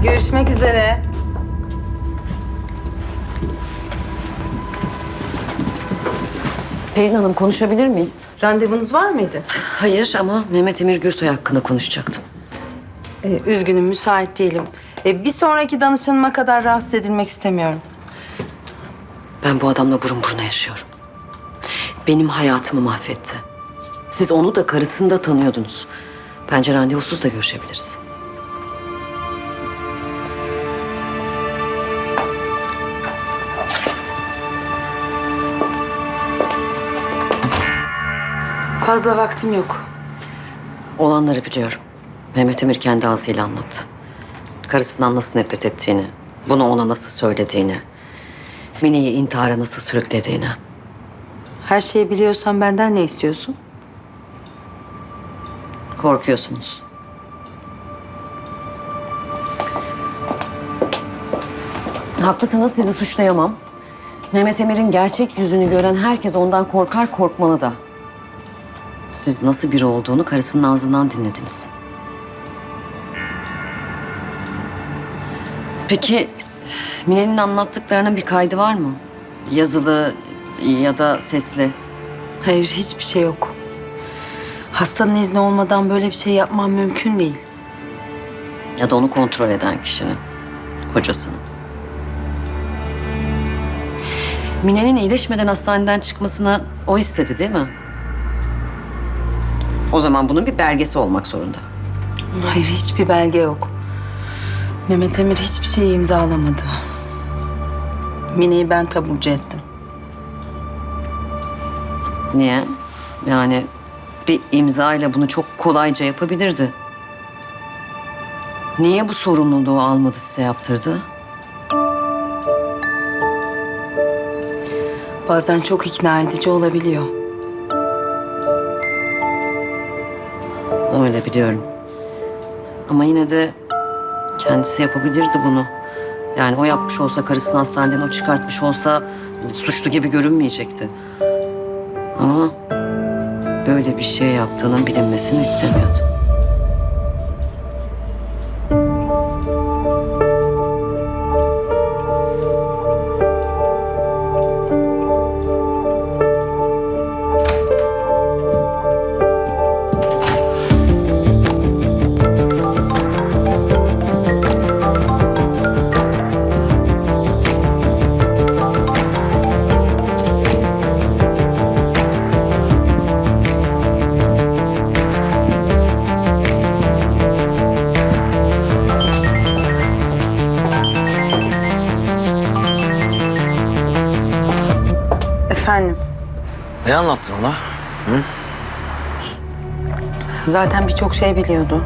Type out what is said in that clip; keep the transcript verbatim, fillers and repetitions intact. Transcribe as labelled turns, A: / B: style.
A: Görüşmek üzere.
B: Pelin Hanım, konuşabilir miyiz?
A: Randevunuz var mıydı?
B: Hayır ama Mehmet Emir Gürsoy hakkında konuşacaktım.
A: Ee, üzgünüm, müsait değilim. Ee, bir sonraki danışanıma kadar rahatsız edilmek istemiyorum.
B: Ben bu adamla burun buruna yaşıyorum. Benim hayatımı mahvetti. Siz onu da karısını da tanıyordunuz. Bence randevusuz da görüşebiliriz.
A: Fazla vaktim yok.
B: Olanları biliyorum. Mehmet Emir kendi ağzıyla anlattı. Karısından nasıl nefret ettiğini, bunu ona nasıl söylediğini, Mine'yi intihara nasıl sürüklediğini.
A: Her şeyi biliyorsan benden ne istiyorsun?
B: Korkuyorsunuz. Haklısınız, sizi suçlayamam. Mehmet Emir'in gerçek yüzünü gören herkes ondan korkar, korkmalı da. Siz nasıl biri olduğunu karısının ağzından dinlediniz. Peki Mine'nin anlattıklarının bir kaydı var mı? Yazılı ya da sesli.
A: Hayır, hiçbir şey yok. Hastanın izni olmadan böyle bir şey yapmam mümkün değil.
B: Ya da onu kontrol eden kişinin, kocasının. Mine'nin iyileşmeden hastaneden çıkmasını o istedi değil mi? O zaman bunun bir belgesi olmak zorunda.
A: Hayır, hiçbir belge yok. Mehmet Emir hiçbir şeyi imzalamadı. Mine'yi ben taburcu ettim.
B: Niye? Yani bir imza ile bunu çok kolayca yapabilirdi. Niye bu sorumluluğu almadı, size yaptırdı?
A: Bazen çok ikna edici olabiliyor.
B: Öyle biliyorum. Ama yine de kendisi yapabilirdi bunu. Yani o yapmış olsa, karısını hastaneden o çıkartmış olsa suçlu gibi görünmeyecekti. Ama böyle bir şey yaptığının bilinmesini istemiyordu.
A: Efendim,
C: Ne anlattın ona?
A: zaten birçok şey biliyordu.